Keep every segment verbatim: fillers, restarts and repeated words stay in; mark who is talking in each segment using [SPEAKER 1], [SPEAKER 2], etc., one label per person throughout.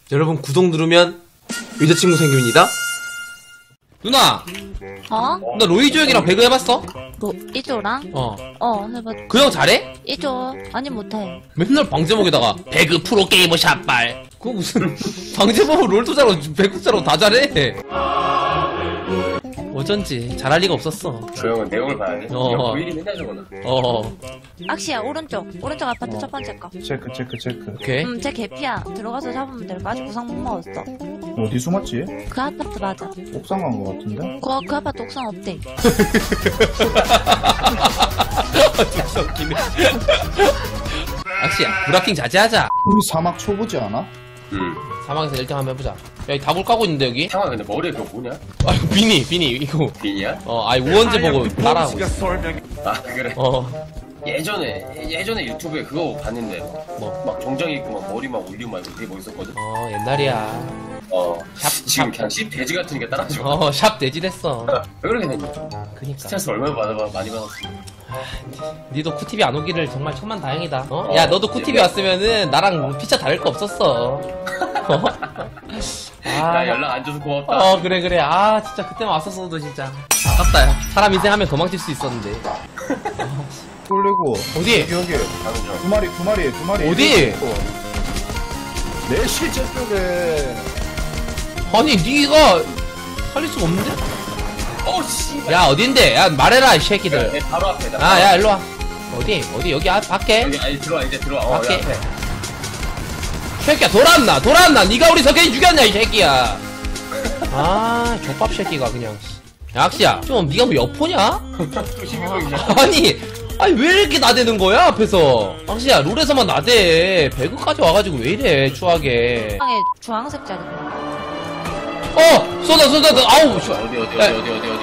[SPEAKER 1] 여러분 구독 누르면 여자친구 생깁니다. 누나!
[SPEAKER 2] 어?
[SPEAKER 1] 나 로이조 형이랑 배그 해봤어?
[SPEAKER 2] 뭐, 이조랑?
[SPEAKER 1] 어.
[SPEAKER 2] 어, 해봤.
[SPEAKER 1] 그 형 잘해?
[SPEAKER 2] 이조. 아니, 못해.
[SPEAKER 1] 맨날 방제목에다가 배그 프로게이머 샷발. 그거 무슨 방제목은 롤도 잘하고 배그 잘하고 다 잘해. 어쩐지 잘할 리가 없었어.
[SPEAKER 3] 그 형은 내용을 봐야 돼?
[SPEAKER 1] 어.
[SPEAKER 3] 어. 보이리 맨날 저거나.
[SPEAKER 1] 어.
[SPEAKER 2] 악시야, 오른쪽. 오른쪽 아파트 첫 번째 거.
[SPEAKER 4] 체크 체크 체크.
[SPEAKER 1] 오케이.
[SPEAKER 2] 음, 제 개피야. 들어가서 잡으면 될 거. 아직 구상 못 먹었어.
[SPEAKER 4] 어디 숨었지?
[SPEAKER 2] 그 아파트 맞아.
[SPEAKER 4] 옥상 간 거 같은데?
[SPEAKER 2] 그, 그 아파트 옥상 없대.
[SPEAKER 1] 진짜 웃기네. 악시야, 브라킹 자제하자.
[SPEAKER 4] 우리 사막 초보지 않아?
[SPEAKER 3] 응.
[SPEAKER 1] 사막에서 일 등 한번 해보자. 야, 이 다볼 까고 있는데, 여기?
[SPEAKER 3] 상아 근데 머리에 그거 뭐냐?
[SPEAKER 1] 아, 비니, 비니, 이거.
[SPEAKER 3] 빈이야?
[SPEAKER 1] 어, 아이, 우원재 보고 따라하고 있어.
[SPEAKER 3] 아 그래?
[SPEAKER 1] 어,
[SPEAKER 3] 예전에 예전에 유튜브에 그거 봤는데
[SPEAKER 1] 뭐.
[SPEAKER 3] 막 정장 입고 막 머리 막 올리고 막 되게 멋있었거든?
[SPEAKER 1] 어, 옛날이야.
[SPEAKER 3] 어
[SPEAKER 1] 샵,
[SPEAKER 3] 지금
[SPEAKER 1] 샵.
[SPEAKER 3] 그냥 씹 돼지 같은 게 따라하지 마.
[SPEAKER 1] 어, 샵 돼지됐어.
[SPEAKER 3] 왜 그렇게 됐냐?
[SPEAKER 1] 그니까.
[SPEAKER 3] 스트레스 얼마나 받아, 많이 받았어.
[SPEAKER 1] 니도 쿠티비 안 오기를 정말 천만 다행이다. 어? 야, 너도 쿠티비 왔으면은 나랑 피차 다를 거 없었어. 어? 아,
[SPEAKER 3] 나 연락 안 줘서 고맙다.
[SPEAKER 1] 어, 그래, 그래. 아, 진짜 그때만 왔었어도 진짜. 아깝다, 야. 사람 인생 하면 도망칠 수 있었는데.
[SPEAKER 4] 쫄리고
[SPEAKER 1] 어디?
[SPEAKER 4] 여기 여기
[SPEAKER 3] 가는 중.
[SPEAKER 4] 두 마리 두 마리 두 마리
[SPEAKER 1] 어디?
[SPEAKER 4] 있고. 내 실제 쪽에
[SPEAKER 1] 아니, 니가 살릴 수가 없는데?
[SPEAKER 3] 어 씨.
[SPEAKER 1] 야, 어딘데? 야, 말해라, 이
[SPEAKER 3] 내
[SPEAKER 1] 새끼들.
[SPEAKER 3] 바로 앞에. 나
[SPEAKER 1] 아,
[SPEAKER 3] 바로
[SPEAKER 1] 야,
[SPEAKER 3] 앞에.
[SPEAKER 1] 일로 와. 어디? 어디? 여기 앞, 밖에?
[SPEAKER 3] 여기 아니 들어와 이제 들어와. 어
[SPEAKER 1] 밖에?
[SPEAKER 3] 여기 앞에.
[SPEAKER 1] 새끼야, 돌아왔나? 돌아왔나? 니가 우리 석현이 죽였냐, 이 새끼야. 아, 족밥 새끼가 그냥. 야, 악시야. 좀, 니가 뭐 여포냐?
[SPEAKER 3] 또 시비공이야.
[SPEAKER 1] 아니, 아니, 왜 이렇게 나대는 거야, 앞에서? 악시야, 롤에서만 나대. 배그까지 와가지고 왜 이래, 추하게.
[SPEAKER 2] 방에 주황색 자리.
[SPEAKER 1] 어! 쏟아, 쏟아, 쏟아. 아우, 씨.
[SPEAKER 3] 어디 어디
[SPEAKER 1] 야,
[SPEAKER 3] 어디 어디 어디 어디.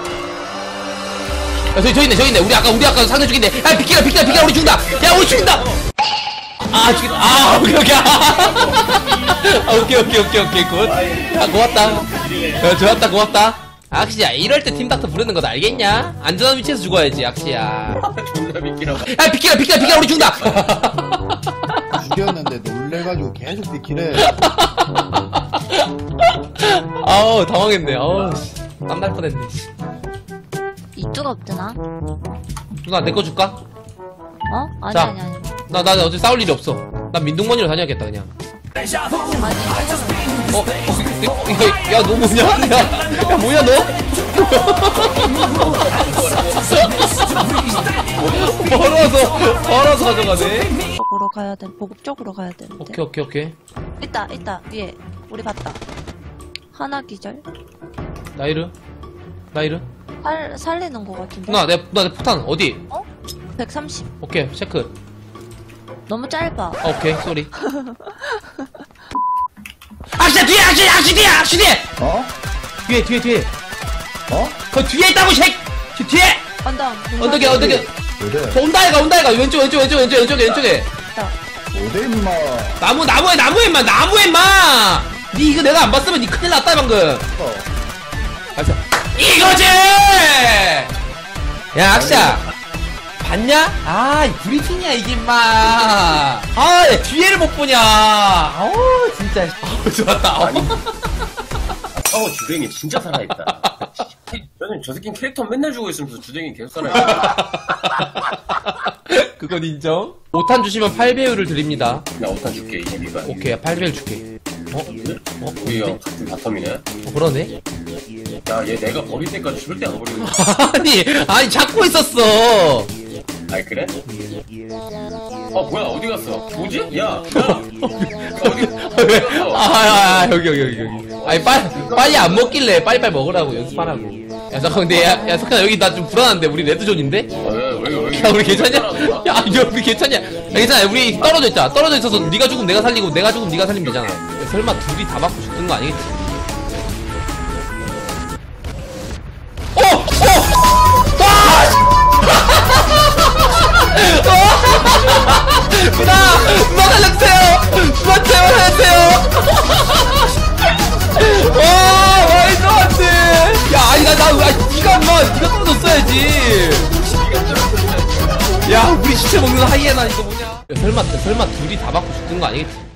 [SPEAKER 1] 야, 저기, 저기 있네, 저기 있네. 우리 아까, 우리 아까 상대 죽인데. 야, 비키라, 비키라, 비키라, 우리 죽인다! 야, 우리 죽인다! 아, 죽인다. 아, 오케이, 오케이. 아, 오케이, 오케이, 오케이, 오케이, 굿. 야, 고맙다. 야, 좋았다, 고맙다. 악시야, 이럴 때 팀닥터 부르는 거 알겠냐? 안전한 위치에서 죽어야지, 악시야.
[SPEAKER 3] 존나 미끼라고.
[SPEAKER 1] 야, 비키라, 비키라, 비키라, 우리 죽인다!
[SPEAKER 4] 죽였는데 놀래가지고 계속 비키래.
[SPEAKER 1] 아우, 당황했네. 아우, 씨. 땀날 뻔했네.
[SPEAKER 2] 이쪽 없드나?
[SPEAKER 1] 누나, 내 거 줄까?
[SPEAKER 2] 어? 아니,
[SPEAKER 1] 자.
[SPEAKER 2] 아니, 아니.
[SPEAKER 1] 나, 나, 나 어차피 싸울 일이 없어. 난 민둥머니로 다녀야겠다, 그냥.
[SPEAKER 2] 아니.
[SPEAKER 1] 어? 어? 야, 야, 너 뭐냐? 야, 야, 뭐냐, 너? 벌어서, 벌어서 가져가네?
[SPEAKER 2] 쪽으로 가야 돼. 보급 쪽으로 가야 되는데.
[SPEAKER 1] 오케이, 오케이, 오케이.
[SPEAKER 2] 있다, 있다. 위에. 우리 봤다. 하나 기절.
[SPEAKER 1] 나이르? 나이르?
[SPEAKER 2] 살, 살리는 거 같은데.
[SPEAKER 1] 누나, 내, 누나, 내 포탄, 어디?
[SPEAKER 2] 어? 백삼십.
[SPEAKER 1] 오케이, 체크.
[SPEAKER 2] 너무 짧아.
[SPEAKER 1] 아, 오케이, 쏘리. 악시 뒤에, 악시, 악시 뒤에, 악시 뒤에!
[SPEAKER 4] 어?
[SPEAKER 1] 뒤에, 뒤에, 뒤에.
[SPEAKER 4] 어?
[SPEAKER 1] 그 뒤에 있다고, 색! 저 뒤에!
[SPEAKER 2] 언덕.
[SPEAKER 1] 언덕에, 언덕에.
[SPEAKER 4] 어디?
[SPEAKER 1] 저 온다, 얘가, 온다, 얘가. 왼쪽, 왼쪽, 왼쪽, 왼쪽, 왼쪽에, 왼쪽에.
[SPEAKER 2] 있다.
[SPEAKER 4] 어디 임마?
[SPEAKER 1] 나무, 나무에, 나무에, 임마, 나무에, 임마! 니 이거 내가 안 봤으면 니 큰일 났다, 방금.
[SPEAKER 4] 어.
[SPEAKER 1] 맞아. 이거지! 야, 악시야. 봤냐? 아, 이 브리핑이야, 이게, 임마. 아, 야, 뒤에를 못 보냐. 아우, 진짜. 아우, 좋았다.
[SPEAKER 3] 아니. 어 주댕이 진짜 살아있다. 저는 저 새끼 캐릭터 맨날 주고 있으면서 주댕이 계속 살아있다.
[SPEAKER 1] 그건 인정. 오탄 주시면 팔 배율을 드립니다.
[SPEAKER 3] 나 오탄 줄게 이십이가.
[SPEAKER 1] 오케이, 팔 배율 줄게. 어? 어?
[SPEAKER 3] 우리 형 같은 바텀이네.
[SPEAKER 1] 어, 그러네?
[SPEAKER 3] 야 얘 내가 버릴 때까지 절대 안 버리는 거.
[SPEAKER 1] 아니, 아니, 잡고 있었어.
[SPEAKER 3] 아이 그래? 어 뭐야 어디 갔어? 뭐지? 야, 야 어디 어디 갔어?
[SPEAKER 1] 아, 아, 아, 여기, 여기, 여기, 여기. 아니, 빨리, 빨리 안 먹길래 빨리빨리 먹으라고, 연습하라고. 야, 잠깐, 근데, 야, 야, 석현아, 여기 나 좀 불안한데, 우리 레드존인데?
[SPEAKER 3] 어, 왜, 왜, 왜,
[SPEAKER 1] 야, 우리 괜찮냐? 야, 이거 우리 괜찮냐? 야, 괜찮아. 우리 떨어져 있자. 떨어져 있어서 네가 죽으면 내가 살리고, 내가 죽으면 네가 살리면 되잖아. 야, 설마 둘이 다 맞고 죽는 거 아니겠지? 어! 어! 와! 누나! 누나 살려주세요! 누나 제발 살려주세요! 와! 말도 안 돼! 야, 아니, 나, 나, 아, 니가, 인마, 니가 떨어졌어야지! 야, 우리 시체 먹는 하이에나, 이거 뭐냐? 야, 설마, 설마 둘이 다 맞고 죽는 거 아니겠지?